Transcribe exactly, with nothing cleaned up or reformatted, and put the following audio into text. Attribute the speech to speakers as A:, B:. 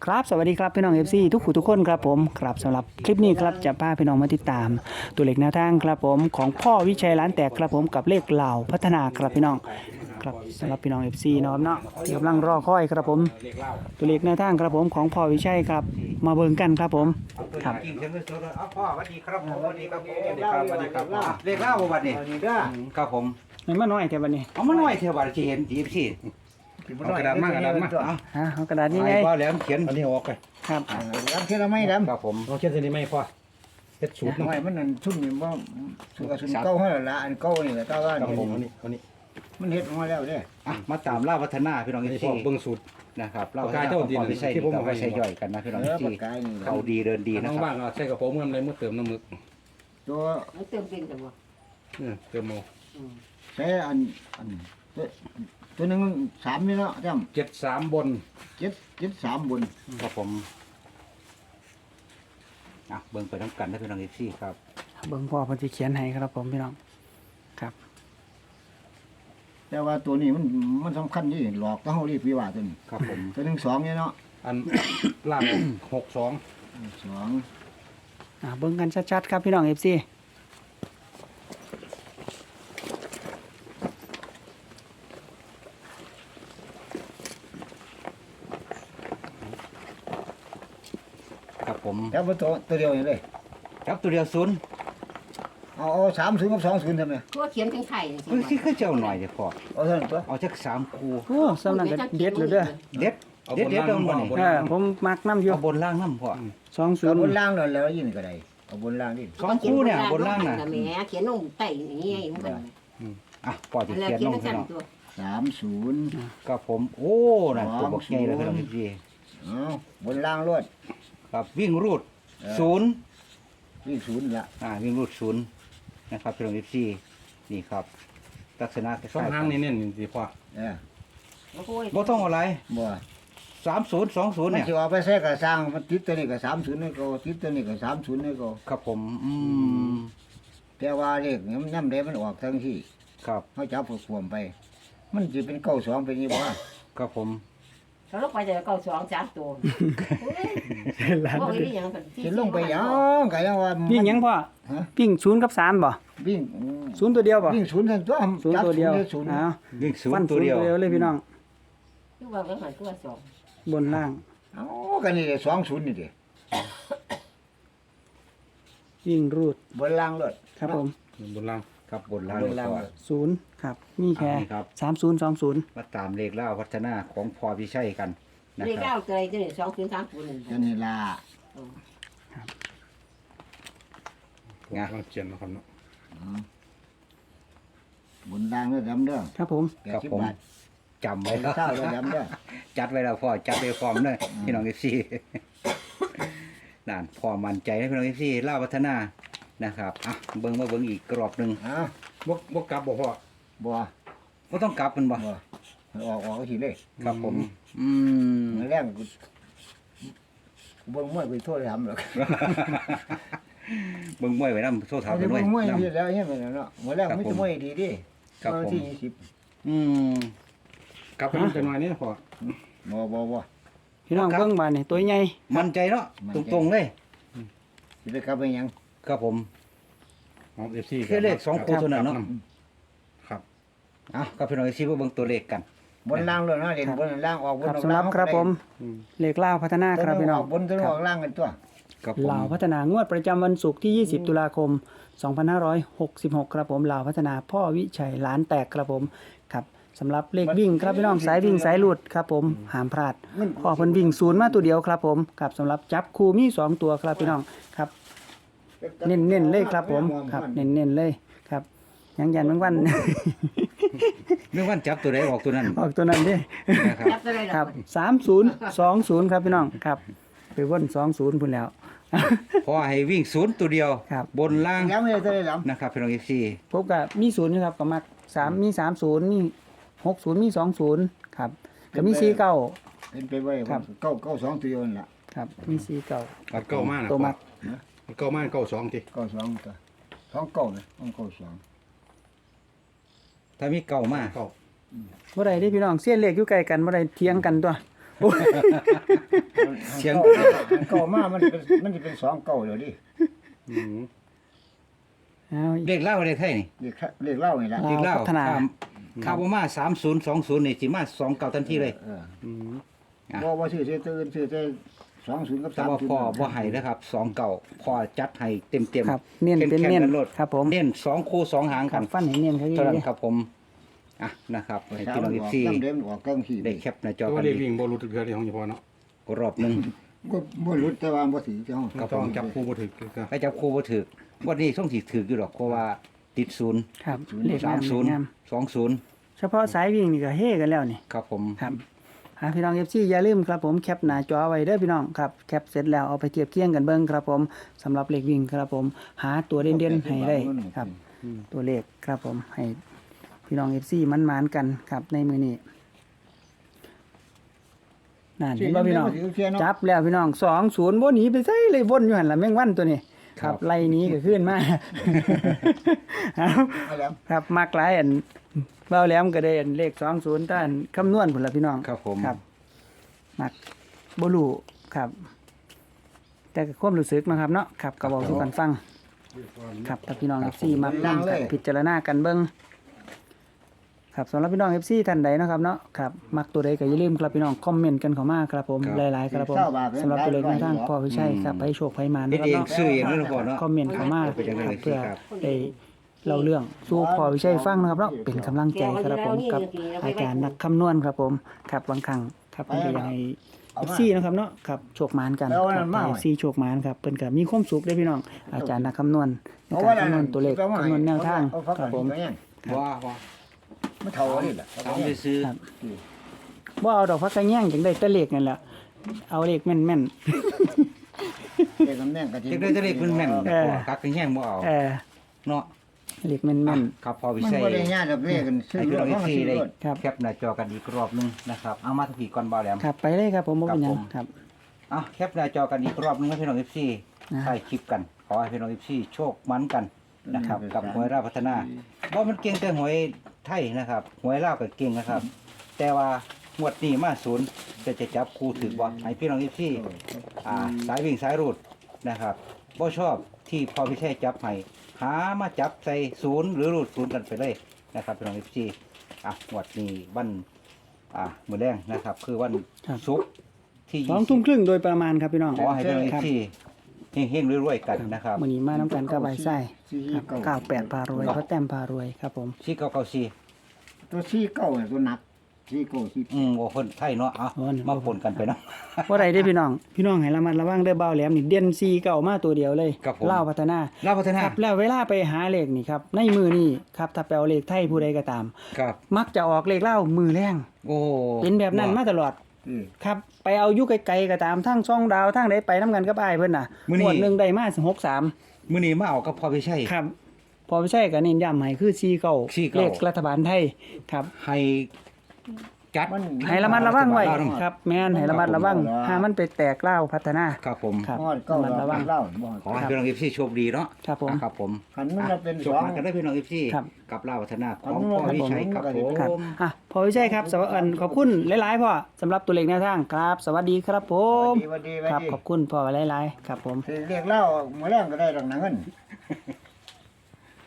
A: ครับสวัสดีครับพี่น้อง เอฟ ซี ทุกผู้ทุกคนครับผมครับสำหรับคลิปนี้ครับจะพาพี่น้องมาติดตาม ตัวเลขแนวทางครับผมของพ่อวิชัยร้านแตกครับผมกับเลขเหล่าพัฒนาครับพี่น้องครับสำหรับพี่น้อง เอฟ ซี เนาะเนาะที่กำลังรอคอยครับผมตัวเลขแนวทางครับผมของพ่อวิชัยครับมาเบิ่งกันครับผมครับ
B: กินเสียงเลยเอาพ่อสวัสดีครับผมสวัสดีครับผมสวัสดีครับสวัสดีครับเรียกเล่าบัดนี้ครับผม
A: มันมาน้อยแค่บัดนี้
B: เอามาหน่อยเทวดาที่เห็นทีพี่
C: เอากระดาษมากระดาษมา
A: ฮะเอากระดาษนี่ไง
B: พ่อแล้วเขียน
C: อันนี้ออกไป
A: ครับ
D: ดำเท่าไรไม่ดำ
B: ครับผม
C: เราเขียนเส้นนี้ไม่พอเฮ็ดสูตร
D: ทำ
C: เนาะ
D: ไมมันนั่นชุ่มนี่ว่าสุกสุนเก้าให้ละอันเก้านี่แหละเก้าว่า
C: ครับผมอัน
D: นี่
C: นี้อันนี้
D: มันเฮ็ดมาแล้วเด้
B: อ่ะมาตามล่าพัฒนาพี่น้อง
C: อันนี้
B: ที่
C: พอเบิ่งสูตร
B: นะครับเล่า
C: ปากกาเจ้าดี
B: พอไปใช้
C: ที่ผมเอา
B: ไป
C: ให้
B: ใช้ย่อยกันนะพี่น้อง
D: เออปา
B: ที่
D: กกานี่
B: เขาดีเดินดีนะ
C: น้อง
B: ค
C: บ้า
B: รับ
C: นเราใส่กระโปรงเงินอะไรมือเติมน้ำมึก
D: ตัว
E: มันเติมเป็นแต่ว่า
C: เออเติมเอา
D: ใช้อันอันตัวตัวนึงสามนี่เนาะจ
C: เจ็ดสามบน
D: ำเจ็ดเจ็ดสามบน
B: ครับผมอ่ะเบิ่งไปทั้งกันนะพี่น้องที่ครับ
A: เบิ่งพ่อเพิ่นสิเขียนให้ครับผมพี่น้องครับ
D: แต่ว่าตัวนี้มันมันสำคัญที่หลอกต้องเฮารีบวิวาตัวนี้
B: ครับผม
D: ตัวหนึ่งสองเนี่ยเนาะ
C: อันล่างหกสอง
D: สอง
A: อ่าเบิ่งกันชัดๆครับพี่น้อง เอฟ ซี
B: ครับผม
D: แล้วตัวตัวเดียวนี่เลย
B: ครับตัวเดียวศูนย์
D: เอาเอาสามศูนย์กับสองศูนย์ทำไม
E: ตัวเขียนถึงไข่จริง
B: คือคือคือเจ้าหน่อยเดี๋ยวพอ
D: เอาเท่านั้นตัว
B: เอาจักสามคู
A: โอ้สำนักก็เด็ดเลยเด้อ
B: เด็ด
C: เอา
B: เด็ด
C: บน
B: เด็ด
C: ล่าง
B: เดิม
C: บ่
B: บ่นี่
C: บน
A: เอ
C: ล่า
A: อง ผมมักน้ำอยู่
B: เอาบนล่างน้ำพ่อ
A: สองศู
D: เอา
A: นย์
D: บนล่างเลยแล้วยินก็ได้เอาบนล่างนี่
B: สองคู่เนี่ยบนล่างน่ะ
E: แหมเขียนลงไต่อย่างนี้มัน
B: อ่ะพ่อจะ
E: แล้ว
B: เขียน
E: เขีย
B: ล
E: น
B: ง
E: ทั้ง
B: ให้
E: สาม
B: น้อง
E: ตัว
D: สามศูนย์
B: ก็ผม โอ้นั่นตัวบักใหญ่เลยครับพี่
D: เอาบนล่างรวด
B: ครับวิ่งรูดศูนย์
D: วิ่งศูนย์ละ
B: อ่าวิ่งรูดศูนย์นะครับพี่น้องพี่นี่ครับลักษณะคล้ายๆ
C: สองห้างนี่เน้นสิพอ
D: เออ
E: โอ้โห
B: บ่ต้องอะไร
D: บ่
B: สามศูนย์สองศูนย์
D: มัน
B: เนี่ย
D: สิเอาไปใส่กระสร้างมันติดตัวนี้ก็สามศูนย์ให้ก็ติดตัวนี้ก็สามศูนย์ให้ก็
B: ครับผมอืม
D: แต่ว่าเลขนี่มันย่ำได้มันออกทั้งที่
B: ครับ
D: เขาจับขวมไป มันจะเป็นเก้าสองเป็นยี่บ่
B: ครับผม
E: เราลงไปจะเก้าสองสามตัวพวกนี้ยัง
D: สิลงไปหยังก็ยังว่า
A: วิ่งหยังพ่อ
D: ฮะ
A: วิ่งศูนย์กับสามบ่
D: วิ่ง
A: ศูนย์ตัวเดียวบ่
D: วิ่งศูนย์ทั้งตัว
A: ศูนย์
D: จับ
A: ตัวเดียว
D: ศูนย์
A: อ้าว
B: วิ่งศูน
A: ฟัน
B: ย์ตั
A: ศู
B: วน
A: ย์
B: เดียว
A: ตัวเดียวเลยพี่น้อง
E: คือว่าก็หันตัวสอง
A: บนล่าง
D: เอ้ากันนี่สองศูนย์นี่ดิ
A: วิ่งรูด
D: บนล่างรถ
A: ครับผม
C: บนล่าง
B: ครับบนล่าง
D: บนล่าง
B: ก่อน
A: ศูนย์ครับมีแค่
B: อ่านี่ครับ
A: สามศูนย์สองศูนย์
B: มาตามเลขเล่าพัฒนาของพอพิชัยกันนะ
E: เรียก
B: ครั
E: เก้า
B: บ
E: เกยจะสองคืนสามคืนหนึ่ง
D: กันนี่ล่ะ
C: กำลังเขียนนะครับเนาะ
D: บนล่างเด้อดำเด้อ
A: ครับผม
D: แปดสิบบาท
B: จำไว้
D: เป็น
B: แล้ว
D: เศร้าเด้อดำเด้อ
B: จัดไว้แล้วพ่อจัดไว้พร้อมเลยพี่น้องเอฟซีนั่นพอมั่นใจนะพี่น้องเอฟซีเล่าพัฒนานะครับอ่ะเบิ้งมาเบิ้งอีกกรอบหนึ่ง
D: เอ้า
C: บ่บ่กลับบ่พ่อ
D: บ่
B: ก็ต้องกลับมันบ่
D: บ่ออกออกทีเลย
B: ครับผม อืม
D: มื้อแรกกูกูเบิ่งมวยกูโทษทำหรอก
B: เบิ้งมวยไว้นำโซ่ถาม
D: เอา
B: กั
D: สิ
B: นด้ว
D: เบิ่
B: ย
D: งมวย
B: นำ
D: ที่แล้วเฮ็ดไปแล้วเนาะมื้อแรกมีแต่มวยดีดิ
B: ครับผม
D: วันที่ยี่สิบ
B: อืม
C: กลับไปมันจะน้อยนี่พอ
D: บ่บ่บ่
A: พี่น้อง
B: ครับ
A: เบิ่งบานนี่ตัวใหญ่
B: มั่นใจเนาะ
D: มั่นใจ
B: ตรงๆเลย
D: สิได้กลับไปหยัง
B: ครับผม
C: ของ เอฟ ซี
B: แค่เลขสองคู่เท่านั้นเนาะ
C: ครับ
B: อ่ะก็พี่น้องเอฟซีมาเบิ้งตัวเลขกัน
D: บนล่างเลยเนาะเด่นบนล่างออกบน
A: ครับ
D: ออก
A: สำห
D: ล่า
A: รั
D: ง
A: บครับผม
C: อืม
A: เลขล่าวพัฒนาครับพี่น้อง
D: บนตัวออกล่างกันตัว
B: ครับผม
A: ลาวพัฒนางวดประจำวันศุกร์ที่ ยี่สิบ ตุลาคม สองพันห้าร้อยหกสิบหก ครับผมลาวพัฒนาพ่อวิชัยล้านแตกครับผมครับสำหรับเลขวิ่งครับพี่น้องสายวิ่งสายหลุดครับผมห้ามพลาดพ่อเพิ่นวิ่งศูนย์มาตัวเดียวครับผมครับสำหรับจับคู่มีสองตัวครับพี่น้องครับเน้นๆเลยครับผมครับเน้นๆเลยครับยังยันบางวัน
B: เรื่องวันจับตัวใดออกตัวนั้น
A: ออกตัวนั้นดิ
B: นะครับ
E: จับอะไร
A: ครับสามศูนย์สองศูนย์ครับพี่น้องครับไปวนสองศูนย์พุ่นแล้ว
B: พอให้วิ่งศูนย์ตัวเดียว
A: ครับ
B: บนล่าง
D: แล้วไม่ได้ตัวได้ล
B: นะครับพี่น้องเอฟซี
A: พบกับมีศูนย์นะครับก็มักสามมีสามศูนย์มีหกศูนย์มีสองศูนย์ครับก็มีสี่เก้า
D: ำเป็นไปไว้
A: ครับ
D: เก้าเก้าสองตัวนั่นล่ะ
A: ครับมีสี่เก้า
C: อัดเก้ามากนะ
A: ตัว
C: พ่อ
A: มัก
C: อัดเก้ามากเก้าสองที
D: เก้าสองตัวสองเก้านะสองเก้าสอง
B: ถ้ามีเก่ามาก
C: เก้า
A: บ่ได้เด้พี่น้องเสี้ยนเลขอยู่ใกล้กันบ่ได้เถียงกันตัวโอ้ย
B: เสียง
D: เก้ามามันเป็นมันจะเป็นสองเก้าเดี๋ยวดิ
C: อืม
A: เอา
B: เลขเล่าเลขไทยนี่
D: เรียกเรียกเล่านี่แหละ
B: เลขเล่า
A: พัฒนา
B: ข้ามข้าวบ่มาสามศูนย์สองศูนย์นี่สิมาสองเก้าทันทีเลย
D: เออ
C: อืม
B: อ่ะ
D: บ่บ่ชื่อเสียตื่นชื่อแต่สองศูนย์กับ
B: แต่
D: สาม
B: ว่า
D: ศูนย์
B: พ่อบ่ให้นะครับสองเก้าพ่อจัดให้เต็มเต็ม
A: ครับเน้นเป็นเน้นครับผม
B: เน้นสองคู่สองหาง
A: ครั
B: กับ น
A: ฟันให้เน้นเขาอีก
B: เท่านั้น
A: เลย
B: ครับผมอ่ะนะครับ
D: ประ
B: ให้
D: ชา
B: พี่น้อง
D: ชน
B: อี
D: ออก
B: ซี่
D: น้ำเดิมออกเครื่องขี่
B: ได้แคปหน้าจอ
C: ตัว
B: กัน
C: เลข
B: อี
C: วิ่งบ่รู้ตึกเทือที่ของเฉพาะเนาะ
B: กรอบหนึง
D: ก็บ่รู้แต่ว่าบ่ถือเจ้า
B: ครับ
C: ต้อง
B: ผม
C: จับคู่บ่ถึกก็
B: ไปจับคู่บ่ถูกวันนี้ต้องสิถูกอยู่ดอกเพราะว่าติดศูนย์
A: ครับเลข
B: สาม
A: งาม
B: ศูนย์
A: งาม
B: สองศูนย์
A: เฉพาะสายวิ่งนี่ก็เฮกันแล้วนี่
B: ครับผม
A: ครับหาพี่น้อง เอฟ ซี อย่าลืมครับผมแคปหน้าจอไว้เด้อพี่น้องครับแคปเสร็จแล้วเอาไปเทียบเคียงกันเบิ่งครับผมสำหรับเลขวิ่งครับผมหาตัวเด่นๆให้ได้ครับ ตัวเลขครับผมให้พี่น้อง เอฟ ซี มันมานๆกันครับในมือนี้นั่นเห็นบ่พี่น้องจับแล้วพี่น้องสองศูนย์บ่หนีไปไสเลยวนอยู่หั่นล่ะแมงวันตัวนี้ครับไล่หนี้ก็ขึ้นมา เอา
D: เอาแล้ว
A: ครับมักหลายอันเบ้าแหลมก็ได้อันเลขสองศูนย์ต้านคำนวณพุ่นล่ะพี่น้อง
B: ครับผม
A: ครับมักบ่รู้ครับ แต่ก็ความรู้สึกนะครับเนาะครับก็เว้าสู่กันฟัง ครับถ้าพี่น้อง เอฟ ซี มานั่งกันพิจารณากันเบิ่งครับสำหรับพี่น้อง เอฟ ซี ท่านใดเนาะครับเนาะครับมักตัวใดก็อย่าลืมครับพี่น้องคอมเมนต์กันเข้ามาครับผมหลายๆครับผมสำหรับตัวเลขในทางพ่อพี่ชัยครับไปโชคไปมา
B: เฮ็ด
A: นะครับ
B: เอง
A: เนาะ
B: ซื้อเองเลยพ่อเนาะ
A: คอมเมนต์เข้ามา
B: เป็นจังได๋
A: ครับเพื่อ
B: ครับ
A: ได้เล่าเรื่องสู่พ่อพี่ชัยฟังนะครับเนาะเป็นกำลังใจครับผมกับอาจารย์นักคำนวณครับผมครับบางครั้งครับเพิ่นก็อยากให้ เอฟ ซี นะครับเนาะครับโชคหมานกัน
D: แล้ว
A: ค
D: อัน
A: รั
D: นั้
A: บ
D: นมา
A: เอ
D: ไว้
A: ฟ ซี โชคหมานครับเพิ่นก็มีความสุขเด้อพี่น้องอาจารย์นักคำนวณในการคำนวณตัวเลขคำนวณแนวทางครับผม
B: ว่าว่า
D: มันเท่านี่แหละ
B: ถามซื้อ
A: ครับ บ่เอาดอกพักกระแยงจังได้แต่เลขนั่นแหละเอาเลขแม่น
D: เด็กกำแน่งกะ
B: ๆ
D: ทิ
B: เด็กได้จะเด็กมันแม่น
A: เออ
B: กักกันแห้งบ่เอา
A: ๆเออ
B: เนาะ
A: เลขแม่น
B: ครับพอวิ
D: มัน
B: ชัย
D: บ่ได้ยากดอกเบี้ยกันซื้อ
B: ให้พี่
D: ร
B: น้อ
D: ถ
B: ง
D: เพราะมัน
B: เอฟซี
D: ซื้อ
B: ได้
D: รถ
A: ครับ
B: แคปหน้าจอกันอีกรอบหนึงนะครับเอามาทั้งผีก่อนบ่าวแหลม
A: ๆครับไปเลยครับผมบ่เป็นหยังครับ
B: อ่ะแคปหน้าจอกันอีกรอบหนึงให้พี่น้อง เอฟ ซี
A: นะ
B: ถ่ายคลิปกัน ขอให้พี่น้อง เอฟ ซี โชคมันกันนะครับ กับหวยราชพัฒนาบ่มันเก่งแต่หวยไทยนะครับหวยลาวก็เก่งนะครับ แต่ว่างวดนี้มาศูนย์จะจะจับคู่ถือบ่ให้พี่น้อง เอฟ ซี อ่าสายวิ่งสายรูดนะครับบ่ชอบที่พอพิเชษจับให้หามาจับใส่ศูนย์หรือรูดศูนย์กันไปเลยนะครับพี่น้อง เอฟ ซี อ่ะงวดนี้วันอ่ามื้อแรงนะครับ คือวัน
A: ครับ
B: ศุกร์ที่
A: สองทุ่มครึ่งโดยประมาณครับพี่น้อง
B: ขอให้พี่น้อง
A: ครับ
B: ที่เฮงๆรวยๆกันนะครับ
A: มื้อนี้มาน้ำกันกับใบไส้
D: สี่
A: ครับ
D: เก้า
A: เก้าแปดพารวยเพราะแต้มพารวยครับผม
B: สี่เก้าเก้าสี่
D: ตัวสี่เก้าเนี่ยตัวหนักสี่เก้าสี่
B: อืมโอ้คนไทยเนาะเอามาปนกันไปเนาะ
A: ว่าไรได้อพี่น้อง พี่น้องให้ระมัดระวังเด้อเบาแหลมนี่เด่นซีเก่ามาตัวเดียวเลย
B: ครับผม
A: เล่าวพัฒนา
B: ลาวพัฒนา
A: ครับแล้วเวลาไปหาเลขนี่ครับในมือนี่ครับถ้าไปเอาเลขไทยผู้ใดก็ตาม
B: ครับ
A: มักจะออกเลขเล่าวมือแรง
B: โอ้
A: เป็นแบบนั้นมาตลอด
D: อืม
A: ครับไปเอาอยุไกลๆก็ตามทั้งช่องดาวทั้งใดไปน้ำกันกับอ้ายเพิ่นน่ะ
B: มื้อนี้
A: งวดหนึงได้มาหกสาม
B: มื้อนี้มาเอากับพอพิเชษ
A: ครับ พอไม่ใช่ก็เน้นย้ำให้คือซีเก่า
B: สี่เก้า
A: เลขรัฐบาลไทยครับ
B: ให้จัด
D: มัน
A: ให้ระมัดระวังไว้
B: รัฐบาลลาว
A: ครับแม่นให้ระมัดระวัง
D: ครับ
A: หามันไปแตกเล่าวพัฒนา
B: ครับผม
A: ครับ
D: ฮอดเก้า
A: ระมัดระวัง
D: เล่าบ่
B: ขอให้พี่น้อง เอฟ ซี โชคดีเนาะ
A: ครับผม
B: ครับผม
D: คันมันจะเป็น
B: โช
D: ส
B: ค
D: อง
B: มากันได้พี่น้อง เอฟ ซี
A: ครับ
B: กับลาวพัฒนาข
D: ครั
B: อบ งพ่อวิชัยครับผ
A: ครับ
B: ม
A: อ่ะพอไม่ใช่ครับสวัสดีขอบคุณหลายๆพ่อสำหรับตัวเลขแนวทางครับ สวัสดีครับผม
D: ดีวันดีวัน
A: ครับ
D: ดี
A: ขอบคุณพ่อหลายๆครับผม
D: สิเรียกเล่ามื้อแรงก็ได้ดอกหนังเงิน